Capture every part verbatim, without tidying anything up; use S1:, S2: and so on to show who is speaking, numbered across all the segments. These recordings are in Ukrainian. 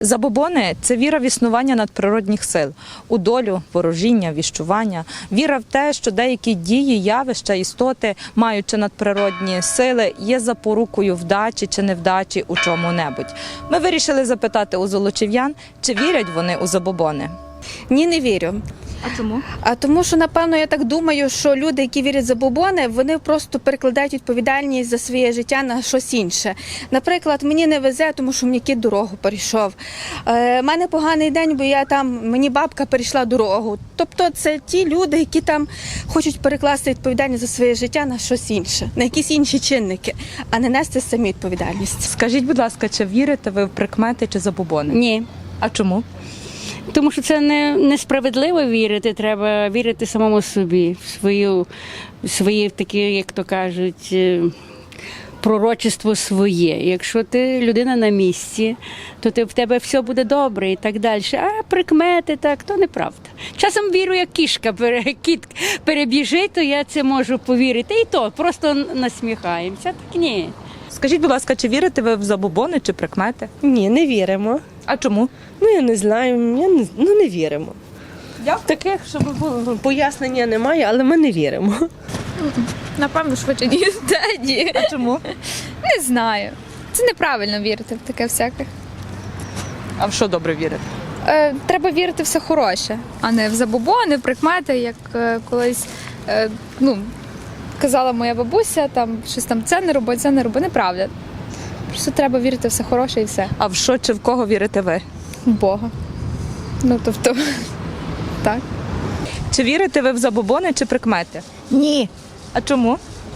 S1: Забобони – це віра в існування надприродних сил, у долю, ворожіння, віщування, віра в те, що деякі дії, явища, істоти, маючи надприродні сили, є запорукою вдачі чи невдачі у чому-небудь. Ми вирішили запитати у золочів'ян, чи вірять вони у забобони.
S2: Ні, не вірю.
S1: А чому?
S2: А тому, що, напевно, я так думаю, що люди, які вірять в забобони, вони просто перекладають відповідальність за своє життя на щось інше. Наприклад, мені не везе, тому що мені кіт дорогу перейшов. Е, мене поганий день, бо я там, мені бабка перейшла дорогу. Тобто це ті люди, які там хочуть перекласти відповідальність за своє життя на щось інше, на якісь інші чинники, а не нести самі відповідальність.
S1: Скажіть, будь ласка, чи вірите ви в прикмети чи забобони?
S3: Ні.
S1: А чому?
S3: Тому що це не, несправедливо вірити, треба вірити самому собі, в свою, в свої такі, як то кажуть, е, пророчество своє. Якщо ти людина на місці, то ти, в тебе все буде добре і так далі. А прикмети так, то неправда. Часом вірю, як кішка, пере, кіт перебіжить, то я це можу повірити. І то, просто насміхаємося. Так ні.
S1: Скажіть, будь ласка, чи вірите ви в забобони чи прикмети?
S4: Ні, не віримо.
S1: А чому?
S4: Ну, я не знаю, я не, ну, не віримо.
S1: Дякую.
S4: Таких, щоб було, пояснення немає, але ми не віримо.
S5: Напевно, швидше ні. Та ні.
S1: А чому?
S5: Не знаю. Це неправильно вірити в таке всяке.
S1: А в що добре вірити?
S5: Е, треба вірити в все хороше, а не в забобони, в прикмети, як е, колись е, ну, казала моя бабуся, там щось там це не роби, це не роби. Неправда. Просто треба вірити в все хороше і все.
S1: А в що чи в кого вірите ви?
S5: В Бога. Ну, тобто, так.
S1: Чи вірите ви в забобони чи прикмети?
S6: Ні,
S1: А чому?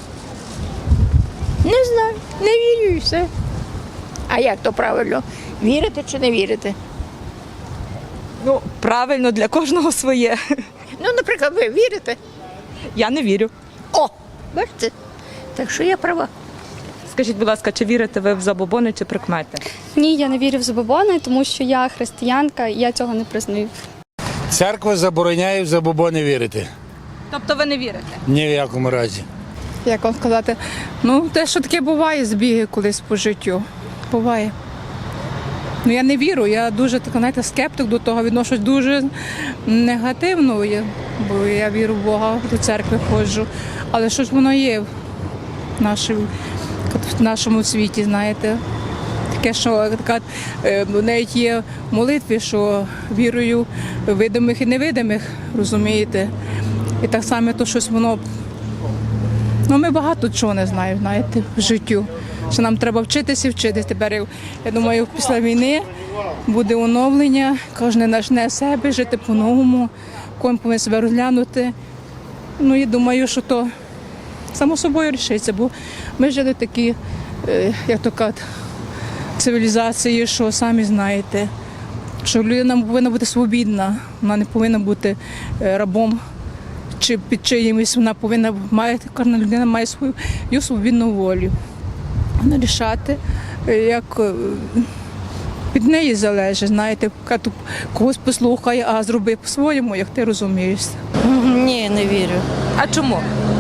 S6: не знаю, не вірю і все. А як то правильно? Вірити чи не вірити?
S1: Ну, правильно, для кожного своє.
S6: Ну, наприклад, ви вірите?
S1: Я не вірю.
S6: О, бачите? Так що я права.
S1: Скажіть, будь ласка, чи вірите ви в забобони чи прикмети?
S7: Ні, я не вірю в забобони, тому що я християнка і я цього не признаю.
S8: Церква забороняє в забобони вірити.
S1: Тобто ви не вірите?
S8: Ні в якому разі.
S9: Як вам сказати, ну те, що таке буває, збіги колись по життю. Буває. Ну я не вірю, я дуже так, знаєте, скептик до того, відношусь дуже негативно, я- бо я вірю в Бога, до церкви ходжу. Але що ж воно є в нашому, в нашому світі, знаєте? Таке, що така, е, навіть є в молитві, що вірую видимих і невидимих, розумієте? І так само то щось воно. Ну, ми багато чого не знаємо, знаєте, в життю. Що нам треба вчитися і вчитися. Тепер, я я думаю, після війни буде оновлення, кожен почне себе, жити по-новому, кожен повинен себе розглянути. Ну, і думаю, що то само собою рішиться, бо ми жили в такій, е, як то кажуть, цивілізації, що самі знаєте, що людина повинна бути свобідна, вона не повинна бути е, рабом чи під чиїмось, вона повинна має, кожна людина має свою її свобідну волю. Вона рішати, як е, від неї залежить, знаєте, каже, когось послухай, а зроби по-своєму, як ти розумієшся.
S10: Ні, не вірю.
S1: А чому?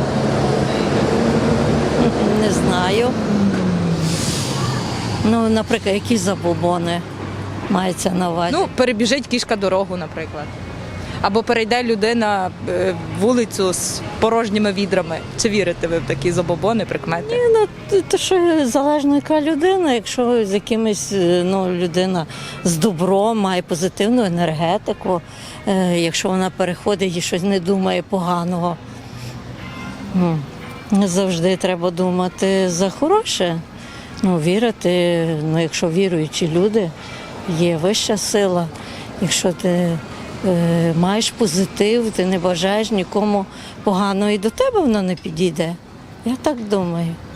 S10: Не знаю. Ну, наприклад, які забобони мається на увазі.
S1: Ну, перебіжить кішка дорогу, наприклад. Або перейде людина е, вулицю з порожніми відрами. Чи вірите ви в такі забобони, прикмети?
S10: Ну, то- то що залежно яка людина, якщо з якимось, е, ну, людина з добром, має позитивну енергетику, е, якщо вона переходить і щось не думає поганого, ну, завжди треба думати за хороше. Ну, вірити, ну, якщо віруючі люди, є вища сила, якщо ти е, маєш позитив, ти не бажаєш нікому поганого, і до тебе воно не підійде. Я так думаю.